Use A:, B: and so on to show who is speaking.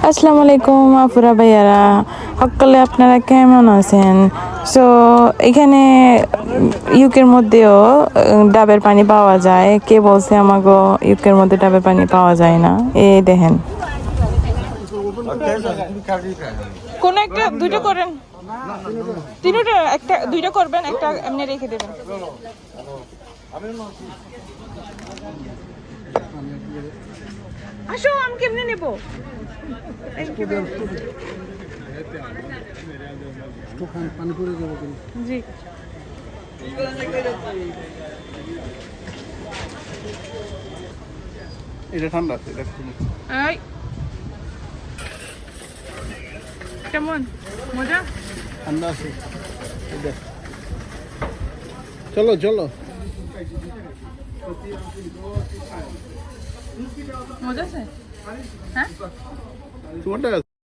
A: আসসালামু আলাইকুম আপুরা ভাইয়ারা, সকলে আপনারা কেমন আছেন? সো এখানে ইউকের মধ্যেও ডাবের পানি পাওয়া যায়। কে বলছে আমাগো ইউকের মধ্যে ডাবের পানি পাওয়া যায় না? এই দেখেন, কোন একটা দুইটা করেন, তিনটা একটা দুইটা করবেন, একটা এমনি রেখে দেবেন। আসো, আমি কেমনে নেব? জি,
B: এটা ঠান্ডা আছে, এটা
A: এই কেমন মজা?
B: ঠান্ডা আছে। চলো চলো,
A: মজা আছে? হ্যাঁ,
B: তোমারটা